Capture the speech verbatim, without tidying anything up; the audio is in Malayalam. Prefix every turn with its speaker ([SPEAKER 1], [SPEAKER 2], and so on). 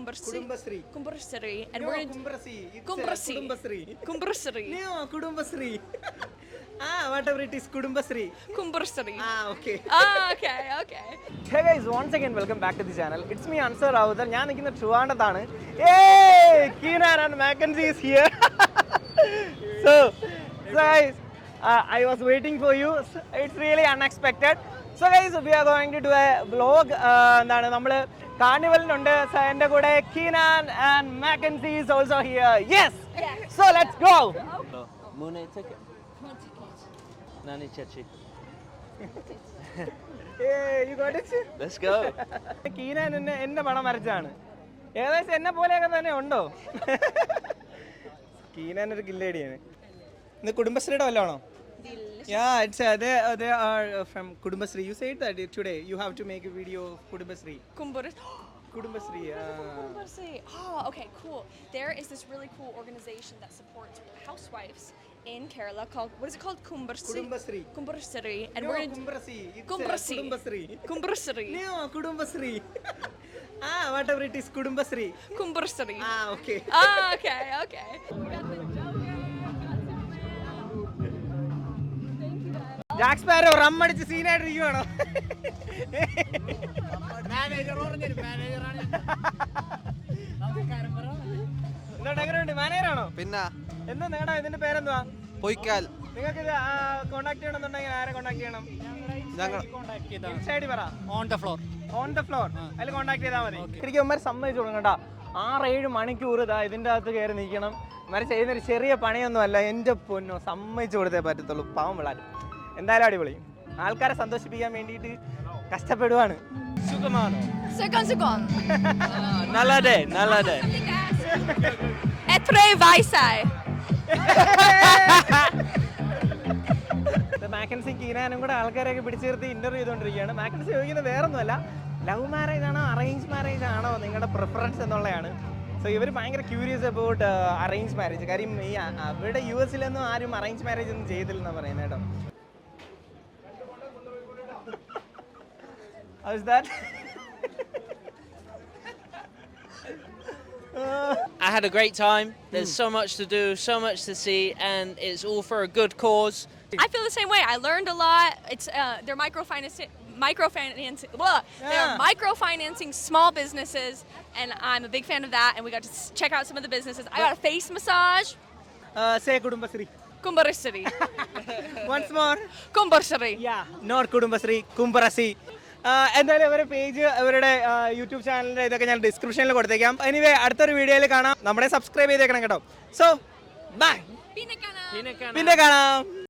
[SPEAKER 1] Kumbarsri.
[SPEAKER 2] Kudumbasri.
[SPEAKER 1] Kumbarsri. And
[SPEAKER 2] No,
[SPEAKER 1] we're going to...
[SPEAKER 2] Kumbrasi. It's
[SPEAKER 1] Kumbrasi.
[SPEAKER 2] uh, Kudumbasri.
[SPEAKER 1] Kumbarsri.
[SPEAKER 2] No, Kudumbasri. Ah, whatever it is, Kudumbasri.
[SPEAKER 1] Kumbarsri.
[SPEAKER 2] Ah, okay.
[SPEAKER 1] Ah, okay, okay.
[SPEAKER 2] Hey guys, once again welcome back to the channel. It's me Ansar Ravudar. ഞാൻ നിൽക്കുന്ന ട്രിവാൻഡ്രത്താണ്. Hey, Keenan and Mackenzie is here. so, so guys, uh, I was waiting for you. It's really unexpected. So guys, we are going to do a vlog. എന്താണ് നമ്മൾ കാർണിവലിനുണ്ട്. So എൻ്റെ കൂടെ Keenan and Mackenzie is also here. Yes. So let's go.
[SPEAKER 3] Mune ticket. Nani chachi.
[SPEAKER 2] Hey, you got it?
[SPEAKER 3] Let's go.
[SPEAKER 2] Keenan എന്നെ എന്നെ പടം വരച്ചാണ്. ഏകദേശം എന്നെ പോലെയൊക്കെ തന്നെ ഉണ്ടോ? Keenan ഒരു കില്ലേടിയാണ്. ഇത് കുടുംബശ്രീയുടെ വല്ലതാണോ? Yeah, it's uh, they uh, they are uh, from Kudumbasri. You said that today you have to make a video of Kudumbasri.
[SPEAKER 1] Kumbarsri.
[SPEAKER 2] Kudumbasri. Uh,
[SPEAKER 1] Kumbarsri. Oh, okay, cool. There is this really cool organization that supports housewives in Kerala called, what is it called? Kumbarsri.
[SPEAKER 2] Kudumbasri.
[SPEAKER 1] Kumbarsri. And
[SPEAKER 2] No,
[SPEAKER 1] we're going to...
[SPEAKER 2] Kumbrasi. It's
[SPEAKER 1] Kumbrasi.
[SPEAKER 2] Uh, Kudumbasri.
[SPEAKER 1] Kumbarsri.
[SPEAKER 2] No, Kudumbasri. ah, whatever it is, Kudumbasri.
[SPEAKER 1] Kumbarsri.
[SPEAKER 2] Ah, okay.
[SPEAKER 1] Ah, okay, okay.
[SPEAKER 2] Jack Sparrow rum അടിച്ച് സീനായിട്ടിരിക്കുവാണോ? എന്താ എങ്ങനെയുണ്ട്? മാനേജറാണോ?
[SPEAKER 3] പിന്നെ
[SPEAKER 2] എന്താ നിങ്ങളുടെ ഇതിന്റെ പേരെന്തുവാ?
[SPEAKER 3] പൊയ്ക്കാൽ.
[SPEAKER 2] നിങ്ങൾക്ക് ഇത് കോൺടാക്ട് ചെയ്യണമെന്നുണ്ടെങ്കിൽ ആരെ കോൺടാക്ട് ചെയ്യണം?
[SPEAKER 3] ഞങ്ങൾ
[SPEAKER 2] ഇൻസ്റ്റൈഡി പറ.
[SPEAKER 4] On the floor
[SPEAKER 2] on the floor അതിൽ കോൺടാക്ട് ചെയ്താൽ മതി. ശരിക്കും അമ്മ സമ്മതിച്ചു കൊടുക്കണ്ട. ആറേഴ് മണിക്കൂർ ഇതാ ഇതിൻ്റെ അകത്ത് കയറി നിൽക്കണം. ഇവരെ ചെയ്യുന്നൊരു ചെറിയ പണിയൊന്നും അല്ല. എൻ്റെ പൊന്നോ, സമ്മതിച്ചു കൊടുത്തേ പറ്റത്തുള്ളൂ. പാവം പിള്ളേർ എന്തായാലും അടിപൊളി. ആൾക്കാരെ സന്തോഷിപ്പിക്കാൻ വേണ്ടിയിട്ട് കഷ്ടപ്പെടുവാണ്. സുഖമാണോ?
[SPEAKER 1] Second, second.
[SPEAKER 3] നല്ലതേ നല്ലതേ.
[SPEAKER 1] Etre Vaisai.
[SPEAKER 2] മാക്കൻസി കീനാനും കൂടെ ആൾക്കാരെയൊക്കെ പിടിച്ചു നിർത്തി ഇന്റർവ്യൂ ചെയ്തുകൊണ്ടിരിക്കുകയാണ്. മാക്കൻസി ചോദിക്കുന്നത് വേറൊന്നുമല്ല, ലവ് മാരേജ് ആണോ അറേഞ്ച് മാരേജ് ആണോ നിങ്ങളുടെ പ്രിഫറൻസ് എന്നുള്ളതാണ്. സോ ഇവർ ഭയങ്കര ക്യൂരിയസ് അബൌട്ട് അറേഞ്ച് മാരേജ്. കാര്യം ഈ അവിടെ യു എസിലൊന്നും ആരും അറേഞ്ച് മാരേജ് ഒന്നും ചെയ്തില്ലെന്നാണ് പറയുന്നത് കേട്ടോ. How's that?
[SPEAKER 3] I had a great time. There's so much to do, so much to see, and it's all for a good cause.
[SPEAKER 1] I feel the same way. I learned a lot. It's uh, they're microfinancing, microfinancing. Blah. They're
[SPEAKER 2] Yeah.
[SPEAKER 1] microfinancing small businesses, and I'm a big fan of that. And we got to s- check out some of the businesses. I got a face massage.
[SPEAKER 2] Uh, say Kudumbasri.
[SPEAKER 1] Kumbarsri.
[SPEAKER 2] Once more.
[SPEAKER 1] Kumbarsri.
[SPEAKER 2] Yeah, not Kudumbasri, Kumbarasi. എന്തായാലും അവരുടെ പേജ് അവരുടെ യൂട്യൂബ് ചാനലിൻ്റെ ഇതൊക്കെ ഞാൻ ഡിസ്ക്രിപ്ഷനിൽ കൊടുത്തേക്കാം. എനിവേ അടുത്തൊരു വീഡിയോയിൽ കാണാം. നമ്മളെ സബ്സ്ക്രൈബ് ചെയ്തേക്കണം കേട്ടോ. So bye,
[SPEAKER 1] Pinakana.
[SPEAKER 2] പിന്നെ കാണാം.